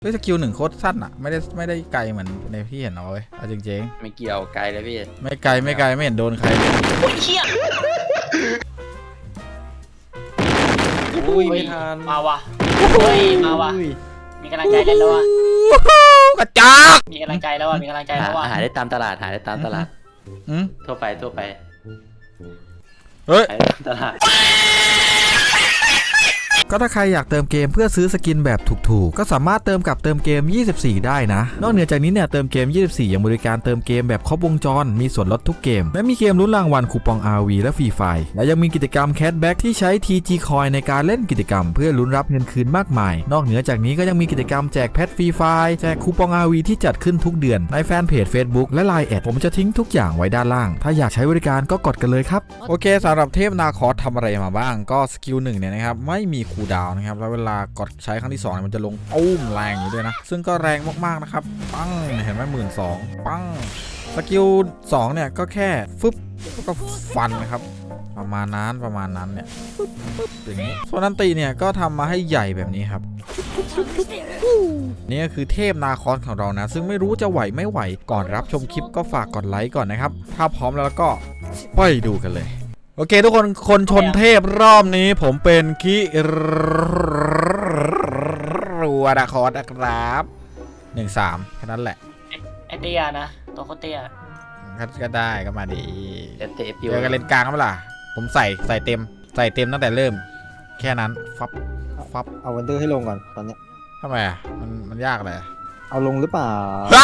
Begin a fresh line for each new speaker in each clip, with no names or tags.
ด้วยสกิล1โคตรสั้นอ่ะไม่ได้ไกลเหมือนในพี่เห็นเอาเว้ยเอาจริง
ไม่เกี่ยวไกลเลยพี่
ๆไม่ไกลไม่เห็นโดนใครเลย
โอ้ยเชี่ย
อุ้ยไม่ทัน
มาว่ะเฮ้ยมาว่ะมีกำลังใจแล้วว่ะ
กระจอก
มีกำลังใจแล้วว่ะมีกำลังใจแล้วว่ะ
หาได้ตามตลาดทั่วไป
เฮ้ย
หาได้ตามตลาด
ก็ถ้าใครอยากเติมเกมเพื่อซื้อสกินแบบถูกๆก็สามารถเติมกับเติมเกม24ได้นะนอกเหนือจากนี้เนี่ยเติมเกม24ยังบริการเติมเกมแบบครบวงจรมีส่วนลดทุกเกมและมีเกมลุ้นรางวัลคูปอง RV และฟรีไฟล์และยังมีกิจกรรมแคชแบ็กที่ใช้ TG Coin ในการเล่นกิจกรรมเพื่อลุ้นรับเงินคืนมากมายนอกเหนือจากนี้ก็ยังมีกิจกรรมแจกแพทฟรีไฟล์แจกคูปอง RV ที่จัดขึ้นทุกเดือนในแฟนเพจ Facebook และ Line แอดผมจะทิ้งทุกอย่างไว้ด้านล่างถ้าอยากใช้บริการก็กดกันเลยครับโอเคสำหรับเทพนาคอสทำอะไรมาบ้างก็สกิล1เนี่ยนะครับไม่มีคูลดาวน์นะครับแล้วเวลากดใช้ครั้งที่2เนี่ยมันจะลงตุ้มแรงอยู่ด้วยนะซึ่งก็แรงมากๆนะครับปังเห็นไหม12,000ปังสกิล2เนี่ยก็แค่ฟึบก็ฟันนะครับประมาณนั้นเนี่ยปึ๊บอย่างนี้ส่วนอันติเนี่ยก็ทำมาให้ใหญ่แบบนี้ครับนี่ก็คือเทพนาคอสของเรานะซึ่งไม่รู้จะไหวไม่ไหวก่อนรับชมคลิปก็ฝากกดไลค์ก่อนนะครับถ้าพร้อมแล้วก็ไปดูกันเลยโอเคทุกคนชนเทพรอบนี้ผมเป็นคิรัวนาคอสนะครับ13แค่นั้นแหละ
ไอเตี้ยนะตัวโคตรเตี้ย
ก็ได้ก็มาดี
เตะ
เจอกันเลนกลางก็ไม่ล่ะผมใส่เต็มตั้งแต่เริ่มแค่นั้นฟับ
เอาวันเดอร์ให้ลงก่อนตอนนี้
ทำไมอ่ะมันยากเลย
เอาลงหรือเปล่า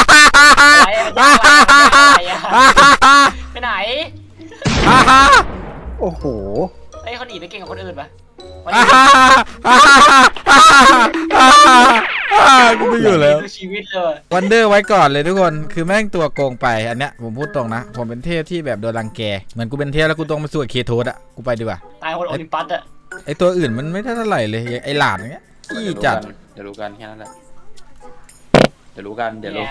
ไปไหน
โอ้โห
ไอ้คนหนีไปเก่งกับคนอื่นปะ
กูไม่อยู่แล้ว
ชีวิตเลย
วันเดอร์ไว้ก่อนเลยทุกคนคือแม่งตัวโกงไปอันเนี้ยผมพูดตรงนะผมเป็นเทพที่แบบโดนรังแกเหมือนกูเป็นเทพแล้วกูต้องมาสู้กับเคโทสอะกูไปดีกว่า
ตายคนโอลิมปัสอะ
ไอตัวอื่นมันไม่เท่าไหร่เลยไอหลาดอย่างเงี้ยขี้จัด
เดี๋ยวรู้กันแค่นั้นแหละเดี๋ยวรู้กัน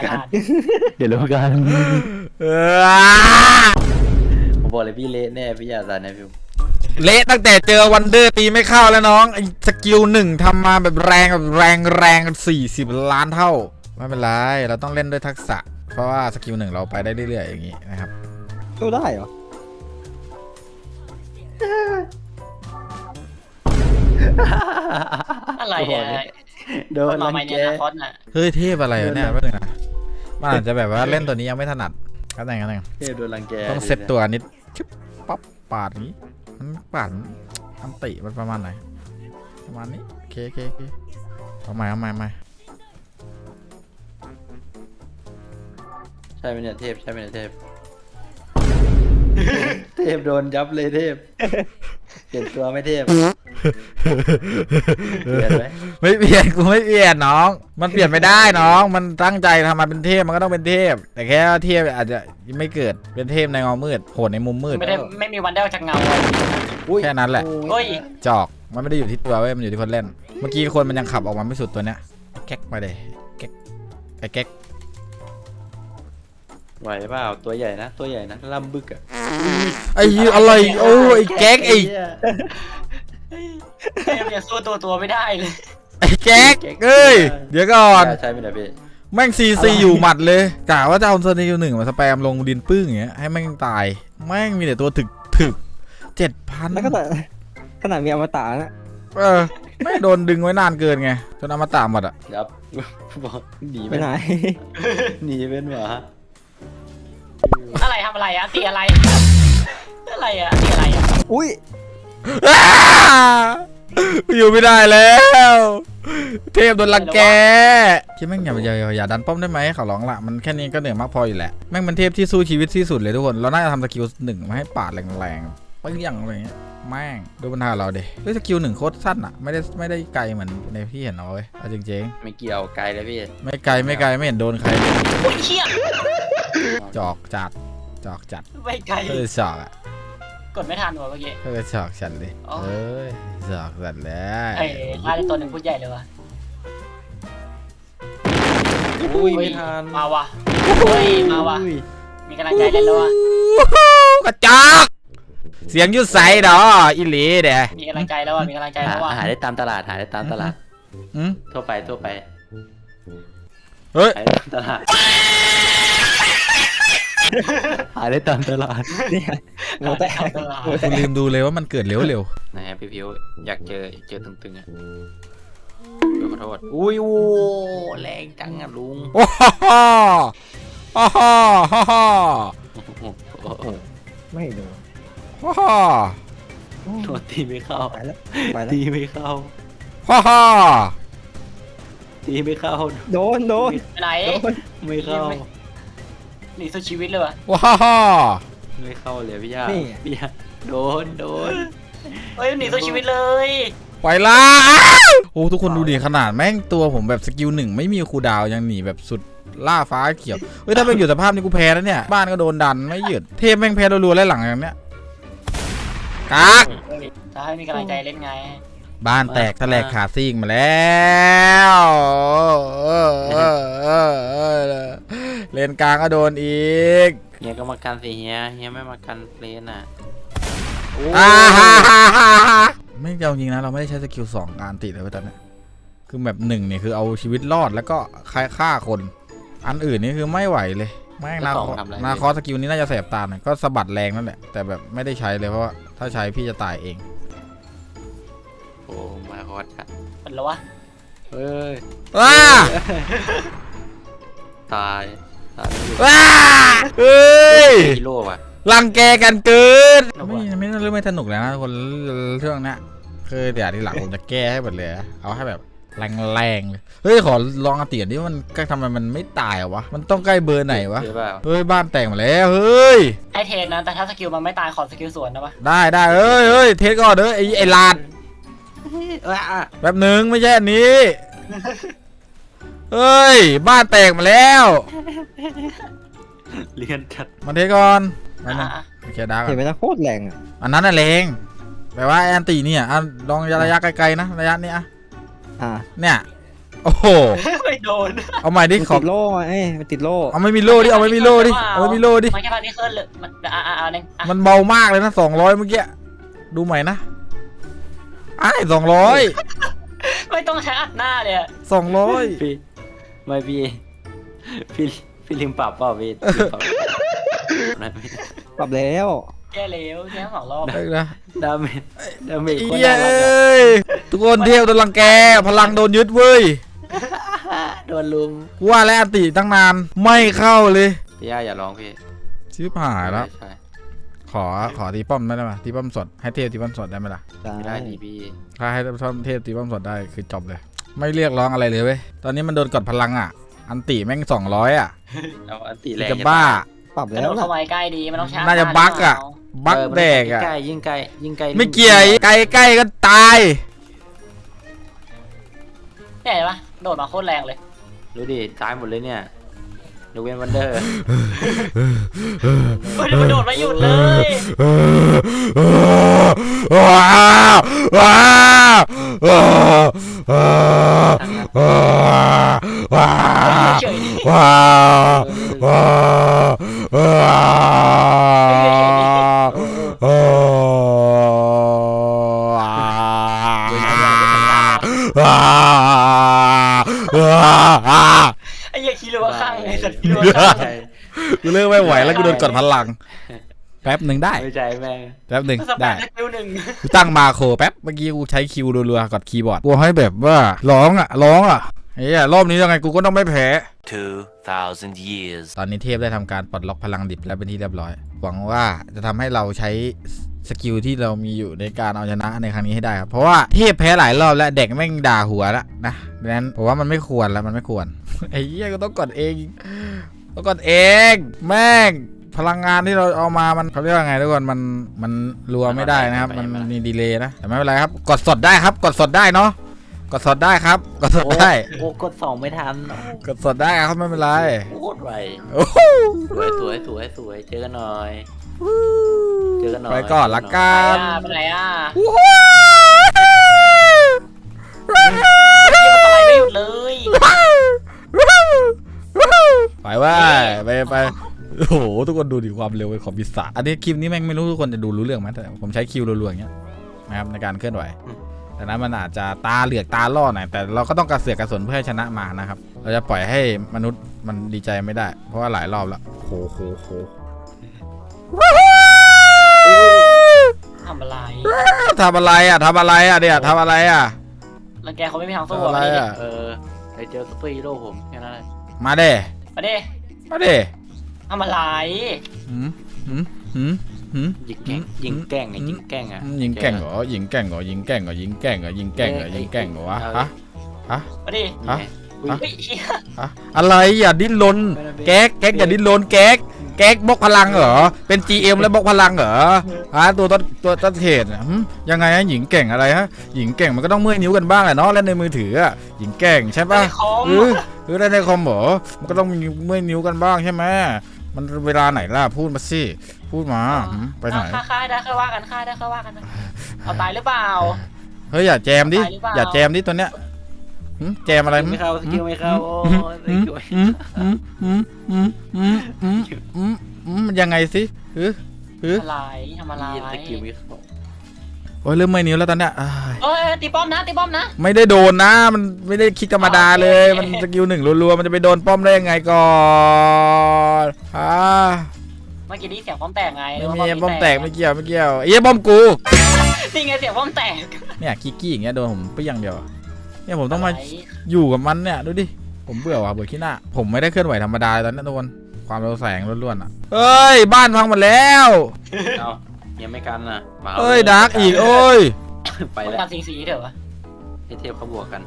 ผมบอกเลยพี่เละแน่พี่อย่าสั่นนะพี่
เละตั้งแต่เจอวันเดอร์ตีไม่เข้าแล้วน้องไอสกิล1ทำมาแบบแรง40 ล้านเท่าไม่เป็นไรเราต้องเล่นด้วยทักษะเพราะว่าสกิล1เราไปได้เรื่อยๆอย่างงี้นะครับ
สู้ได้เหรอ
อะไรอ่ะ
โดนรังแก
เฮ้ยเทพอะไรเนี่ยไม่ถึงนะมันอาจจะแบบว่าเล่นตัวนี้ยังไม่ถนัดก็แต่ง
เทพโดนรังแก
ต้องเซตตัวนิดชึบปั๊บปาดนี้มันปาดอันติมันประมาณไหนประมาณนี้โอเคเอาใหม่
ใช่ไหมเนี่ยเทพเทพโดนยับเลยเทพเปลี่ยนตัวไม่เทพเปลี่ยนไหม
ไม่เปลี่ยนกูไม่เปลี่ยนน้องมันเปลี่ยนไม่ได้น้องมันตั้งใจทำมาเป็นเทพมันก็ต้องเป็นเทพแต่แค่เทพอาจจะไม่เกิดเป็นเทพในเงามืดโหดในมุมมืด
ไม่มีวันได้จากเงา
แค่นั้นแหละจอกมันไม่ได้อยู่ที่ตัวเว้ยมันอยู่ที่คนเล่นเมื่อกี้คนมันยังขับออกมาไม่สุดตัวเนี้ยแก๊กมาเลยแก๊ก
ไหวเปล่าตัวใหญ่นะล่ำบึกอะ
ไอ้อะไรโอ้ไอ้แก๊กไอ้
ยังสู้ตัวไม่ได้เลย
ไอ้แก๊กเอ้ยเดี๋ยวก่อน
ใช่ไหมนะพี่
แม่งซีอยู่หมัดเลยกะว่าจะเอาสกิล1มาสแปมลงดินปึ้งอย่างเงี้ยให้แม่งตายแม่งมีแต่ตัวถึก7,000
แล้วก็ขนาดมีอมตะนะ
ไม่โดนดึงไว้นานเกินไงจนอมตะหมดอ่ะ
ยับบอกหนี
ไปไหน
หนีเป็นหมา
อะไรทำอะไรอะตีอะไรอะตีอะไรอะ
อุ้ย
อยู่ไม่ได้แล้วเทพโดนรังแกคิดแม่งอย่าดันป้อมได้ไหมขอร้องละมันแค่นี้ก็เหนื่อยมากพออยู่แหละแม่งเป็นเทพที่สู้ชีวิตที่สุดเลยทุกคนเราน่าจะทำสกิล1มาให้ปาดแรงๆไปอย่างอะไรเงี้ยแม่งดูปัญหาเราเด็ด้วยสกิล1โคตรสั้นอ่ะไม่ได้ไกลเหมือนในพี่เห็นเอาเว้ยจริง
ๆไม่เกี่ยวไกลเลยพี่
ไม่ไกลไม่เห็นโดนใคร
โอ้ยเชี่ย
จอกจัด
ไม่ไกล
จอกอ่ะ
กดไม่ทันว่ะเมื่อกี้
จอกฉันเลยจอกสัตว์แล้ว
มาในตัวหนึ่งพูดใหญ่เลยวะ
อุ้ยไม่ทัน
มาว่ะมาว่ะมีกำลังใจแล้วว่ะ
กระจอกเสียงยุดใสดออิลีเด้
มีกำลังใจแล้วว่ะ
หาได้ตามตลาดทั่วไป
เฮ้ย
ขายตามตลาดขายได้ตามตลาด
เนี่ยโมแตกโมแต
กู
ก
ลืมดูเลยว่ามันเกิดเร็ว
นะฮะพี่พิวอยากเจอตึงๆอ่ะขอโทษอุ้ยโอ้แรงจังอ่ะลุง
ๆโอ้ฮ่าฮ่าฮ่าฮ่าฮ่าฮ่า
ไม่โดน
ฮ่าฮ่า
โดนตีไม่เข้า
ไปแล้วไปแล้ว
ตีไม่เข้า
ฮ่าฮ่า
ตีไม่เข้า
โดน
ไปไหน
ไม่เข้า
หนีสู้ชีวิตเลยวะ
ว้าฮ่า
ไม่เข้าเลยพี่ยา
นี่
พี่ยาโดน
เฮ้ยหนีสู้ชีวิตเลย
ไปละโอ้ทุกคนดูดิขนาดแม่งตัวผมแบบสกิล1ไม่มีคูลดาวน์ยังหนีแบบสุดล่าฟ้าเขียวเฮ้ยถ้าเป็นอยู่สภาพนี้กูแพ้แล้วเนี่ยบ้านก็โดนดันไม่หยุดเทพแม่งแพ้รัวๆแล้วหลังอย่างเนี้ยกาก
จะให้มีกำลังใจเล่นไง
บ้านแตกทะแหลกขาซิ่งมาแล้วเลนกลางก็โดนอีก
เฮียก็มากันสิเฮียไม่มากันเลนอ่ะโอ้
ไม่เอาจริงนะเราไม่ได้ใช้สกิล2การติดเลยตอนนี้คือแบบ1เนี่ยคือเอาชีวิตรอดแล้วก็ฆ่าคนอันอื่นนี่คือไม่ไหวเลยแม่งนาคอสกิลนี้น่าจะแสบตาหน่อยก็สะบัดแรงนั่นแหละแต่แบบไม่ได้ใช้เลยเพราะว่าถ้าใช้พี่จะตายเอง
โหมาคอสค่ะ
เป็นแล้ววะ
เฮ้ย
ว้า
ตายไม่อยู่
ว้าเฮ้ย
ฮีโร่ว่ะ
รังแกกันเกินไม่เรื่องไม่สนุกแล้วนะคนเรื่องนี้คือเดี๋ยวทีหลังผมจะแก้ให้หมดเลยเอาให้แบบแรงๆเลยเฮ้ยขอลองอาเตียนดิมันทำไมมันไม่ตายอะวะมันต้องใกล้เบอร์ไหนวะ
ใช่เปล่า
เฮ้ยบ้านแตกมาแล้วเฮ้ย
ให้เทรนนะแต่ถ้าสกิลมันไม่ตายขอสกิลสวนนะปะ
ได้เฮ้ยเทสก่อนเด้อไอ้ลาดแป๊บหนึ่งไม่ใช่อันนี้เฮ้ยบ้านแตกมาแล้ว
เลียนจัด
มาเทสก่อนมาหนึ่ง
อ่ะ
โอเคดาร์ก
เห็นไหมนะโคตรแรงอ่ะ
อันนั้นน่ะแรงแปลว่าแอนตี้เนี่ยลองระยะไกลๆนะระยะนี้อะ
อ่า
เนี่ยโอ้โห
ไม่โดน
เอาใหม่ดิ
มัน
ขอ
ติดโล่ไงมันติดโล่
เอาไม่มีโล่ดิเอาไม่มีโล่ดิเอาไม่มีโล่ดิ
มันแค่พานี้ขึ้นเลยมันเอาหนึ่งอ่ะ
มันเบามากเลยนะ200เมื่อกี้ดูใหม่นะไอ้200
ไม่ต้องใช้อัดหน้าเลยอะ
200
พี่ไม่พี่ลืมปรับเปล่าพี่ลืมปรับนั่นไม่
ปรับแล้ว
แก้เร็วแค่2 รอบ
ได้นะ
ดาเมจคน
เย้
น่ารักอะ
ยทุกคนเที่ยวโดนรังแกพลังโดนยึดเว้ย
โดนลุม
กูว่าแล้วอันติตั้งนานไม่เข้าเลย
พี่ย่าอย่าร้องพี่
ชิบหายแล้ว
ใช่
ขอตีป้อมได้ไหมตีป้อมสดให้เทพตีป้อมสดได้ไหมล่ะ
ไม่ได้ดีพี่
ถ้าให้เทพตีป้อมสดได้คือจบเลย ไม่เรียกร้องอะไรเลยเว้ยตอนนี้มันโดนกดพลังอ่ะอันติแม่ง200อ่ะ
เอาอันติแรง
จะบ้า
ปรับ
กระ
แล้
โด
ว
ด
นะ
เข้ามาใกล้ดีมันต้องใช้
น่าจะบั๊กอะ บักแดกอ่ะ
ใกล้ยิ่งใกล้
ไม่เกี่ยวใกล้ก็ตาย
เนี่ยเห็นปะโดดมาโคตรแรงเลย
ดูดิตายหมดเลยเนี่ยยกเว้นวันเดอร์
เฮ้ยมันโดดมาหยุดเลย
ว้าวว้าวว้าวว้าว
เฉยดิ
ว้าวว้าวว้าว
ไอ้เหี้ยคิดเลยว่าข้างไอ้สัตว์คิดเลยว่าข้าง
กูเลิกไม่ไหวแล้วกูโดนกดพลังแป๊บหนึ่งได้
ไม่ใจแม่ง
แป๊บหนึ่ง
สแป
ได้
มสกิลหนึ่ง
กูตั้งมาโครแป๊บเมื่อกี้กูใช้คิวรัวๆกดคีย์บอร์ดกูให้แบบว่าร้องเฮ้ยรอบนี้ยังไงกูก็ต้องไม่แพ้
2,000 years
ตอนนี้เทพได้ทำการปลดล็อกพลังดิบแล้วเป็นที่เรียบร้อยหวังว่าจะทำให้เราใช้สกิลที่เรามีอยู่ในการเอาชนะในครั้งนี้ให้ได้ครับเพราะว่าเทพแพ้หลายรอบแล้วเด็กแม่งด่าหัวแล้วนะดังนั้นผมว่ามันไม่ควรแล้วมันไม่ควร ไอ้เหี้ยก็ต้องกดเองแม่งพลังงานที่เราเอามามันเขาเรียกว่าไงทุกคนมันรัวไม่ได้นะครับมันมีดีเลย์นะแต่ไม่เป็นไรครับกดสดได้ครับกดสดได้เนาะกดสดได้ครับกดสดได้
โอ้กด2ไม่ทัน
กดสดได้ครับไม่เป็นไร
โคตรไว
โอ้โห
สวยเจอกันหน่อยเจอกันหน่อย
ไปก่อนละกัน
ไปไหนอ่ะ
โอ้โห
เหี้ยมันตายไม่หยุดเลย
ไปว่าไปโอ้โหทุกคนดูดิความเร็วของปีศาจอันนี้คลิปนี้แม่งไม่รู้ทุกคนจะดูรู้เรื่องไหมแต่ผมใช้คิวรัวๆอย่างเงี้ยนะครับในการเคลื่อนไหวแต่นั้นมันอาจจะตาเหลือกตาล่อหน่อยแต่เราก็ต้องกระเสือกกระสนเพื่อให้ชนะมานะครับเราจะปล่อยให้มนุษย์มันดีใจไม่ได้ เพราะว่าหลายรอบแล้วโห
ทำอะไร
ทำอะไรอ่ะเนี่ยทำอะไรอ่ะ
รังแกเขาไม่มีทางสู้
ทำอะไรอ่ะ
ไปเจอซุปเปอร์ฮีโร่ผมแค่นั้นแหละ
มาเด้
มาดิ ทำอะไร
หืม
ยิงแกล้งยิงแกล้งไงยิงแกล้งอ่ะ
ยิงแก่งเหรอยิงแก่งเหรอวะฮะ
มาดิ
ฮะ
เฮ้ยเหี้ย
อะไรอย่าดิ้นรนแก๊กอย่าดิ้นรนแก๊กบล็อกพลังเหรอเป็น GM แล้วบล็อกพลังเหรอตัวต้นเทศยังไงฮะหญิงแก่งอะไรฮะหญิงแก่งมันก็ต้องเมื่อยนิ้วกันบ้างแหละเนาะเล่นในมือถืออ่ะหญิงแก่งใช่ป่ะ
ในคอม
เล่นในคอมเหรอมันก็ต้องมีเมื่อยนิ้วกันบ้างใช่ไหมมันเวลาไหนล่ะพูดมาสิพูดมาไปไหน
ค่ายได้ค่อยว่ากันนะเอาตายหรือเปล่า
เฮ้ยอย่าแจมดิ
ตายหรือเปล่า
อย่าแจมดิตัวเนี้ยแจมอะไร
ไม่เข้าสกิลไม่เข้าโอ้ยสกิล
มันยังไงสิ
อะไรทำอะไร
สกิลไม่เข้า
โอ้ยเริ่มเมื่อยนิ้วแล้วตอนเนี้ย
เอ้ยตีป้อมนะ
ไม่ได้โดนนะมันไม่ได้คิดธรรมดาเลยมันสกิล1รัวๆมันจะไปโดนป้อมได้ยังไงก่อน
เมื่อกี้นี้เสียงป้อมแตกไง
ไม่มีป้อมแตกไม่เกี่ยวไอ้ป้อมกู
นี่ไงเสียงป้อมแตก
เนี่ยกี้อย่างเงี้ยโดนผมเปี้ยงเดียวเนี่ยผมต้องมาอยู่กับมันเนี่ยดูดิผมเบื่อว่ะเบื่อขี้หน้าผมไม่ได้เคลื่อนไหวธรรมดาตอนนี้ทุกคนความเร็วแสงล้วนๆอ่ะเอ้ยบ้านพังหมดแล้ว
เอายังไม่กันน่ะมา
เอ้ยดาร์กอีกโอ้ย
ไป
ต้อง
แล้ว
การสีเถอะวะ
เทพเขาบวกกัน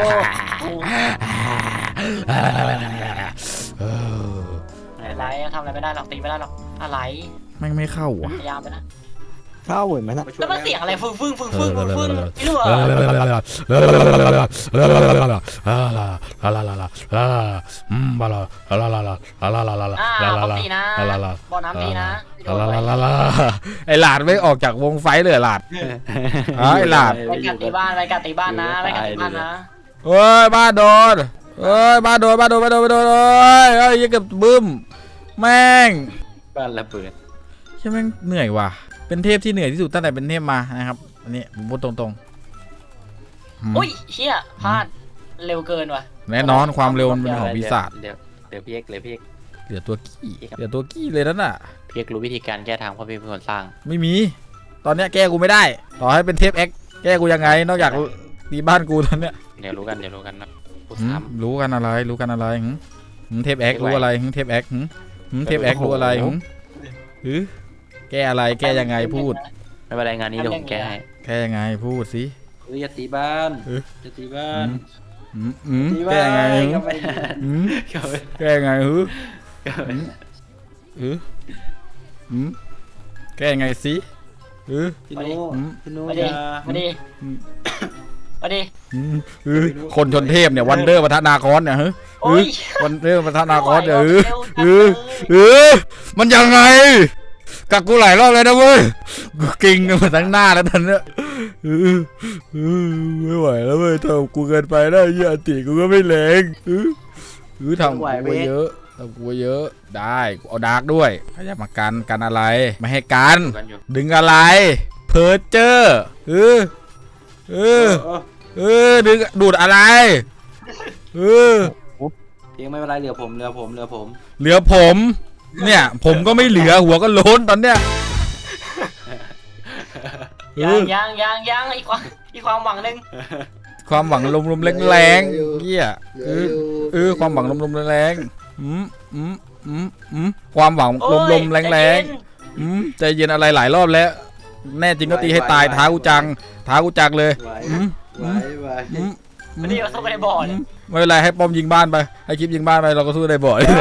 อะไรทำอะไรไม่ได้หรอกตีไม่ได้หรอกอะไร
แม่งไม่เข้าว่ะ
พยายามไปนะ
เข้าเหมือนมันนะ
แล้วมันเสียงอะไรฟึ่งไม่รู้เหรอเขาตีนะบ่อน้ำตีนะ
ไอหลาดไม่ออกจากวงไฟเลยหลาดไอหลาด
ไปกัดตีบ้านนะ
เฮ้ยบ้านโดนเฮ้ยบ้านโดนเฮ้ยยังเกือบบึ้มแม่ง
บ้านระเบิด
ใช่แม่งเหนื่อยว่ะเป็นเทพที่เหนื่อยที่สุดตั้งแต่เป็นเทพมานะครับอันนี้ผมพูดตรงๆ
อุ้ยเชี่ยพลาดเร็วเกินว่ะ
แน่นอนความเร็วมันเป็นของปีศาจ
เดี๋ยวพี่เอก
เหลือตัวกี้เลยนั่นน่ะ
พี่เอกรู้วิธีการแก้ทางเพราะพี่เป็นคนสร้าง
ไม่มีตอนเนี้ยแก้กูไม่ได้ต่อให้เป็นเทพเอ็กแก้กูยังไงนอกจากตีบ้านกูตอนเนี้ย
เดี๋ยวรู้กันนะพูด
หืม
ซ้
รู้กันอะไรเทพเอ็กรู้อะไรเทพเอ็กเทพเอ็กรู้อะไรแก้อะไรแก้ยังไงพูด
ำไม่เป็นไรงานนี้เดี๋ยวผมแก้ให้
แก้ยังไงพูดสิ
อย่าตีบ้านตีบ้าน
แก้ยังไง
ก็ไม่
แก้ยังไงแก้ยังไงสิ
พี่โน่
มาดิ
คนชนเทพเนี่ยวันเดอร์ปะทะนาคอนเนี่ยวันเดอร์ปะทะนาคอนเนี่ยมันยังไงกักกูหลายรอบเลยนะเว้ยกูกิ่งมาทั้งหน้าแล้วตอนเนี้ยไม่ไหวแล้วเว้ยทำกูเกินไปแล้วยี่อติกูก็ไม่แรงทำกูเยอะได้กูเอาดาร์กด้วยขยับมากันอะไรไม่ให้กันดึงอะไรเพอร์เจอร์ดึงดูดอะไร
เพียงไม่เป็นไรเหลือผม
เหลือผมเนี่ยผมก็ไม่เหลือหัวก็โล้นตอนเนี้ย
ยังอีกความหวังนึง
ความหวังลมแรงๆเหี้ยความหวังลมแรงความหวังลมแรงใจเย็นอะไรหลายรอบแล้วแน่จริงก็ตีให้ตายท้ากูจังเลย
ไม่ได้สู้กันในบ่อเลย
ไม่เป็นไรให้ป้อมยิงบ้านไปให้คลิปยิงบ้านไปเราก็สู้ในบ่อเลย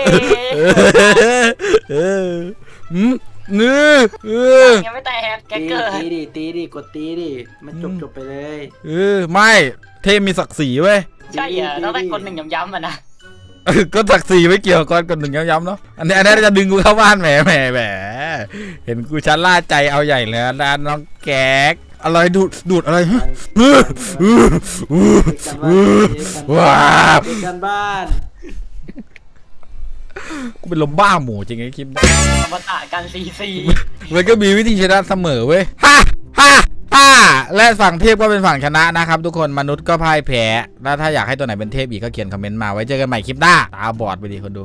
ยังไม่แตกแกเกิด
ตีดิกดตีดิมันจบไปเลย
ไม่เทพมีศักดิ์ศรีเว้ย
ใช่เหรอต้องได้คนหนึ่งย้ำๆอ่ะนะ
ก็ศักดิ์ศรีไม่เกี่ยวก่อนคนหนึ่งย้ำๆเนาะอันนี้จะดึงกูเข้าบ้านแหมเห็นกูชันล่าใจเอาใหญ่เลยนะน้องแก๊กอะไรดูดอะไรว้าว
กันบ้าน
กูเป็นลมบ้าหมูจริงไอ้คลิป
มาตะกันซี
มันก็มีวิธีชนะเสมอเว้ยและฝั่งเทพก็เป็นฝั่งชนะนะครับทุกคนมนุษย์ก็พ่ายแพ้แล้วถ้าอยากให้ตัวไหนเป็นเทพอีกก็เขียนคอมเมนต์มาไว้เจอกันใหม่คลิปหน้าตาบอดไปดิคนดู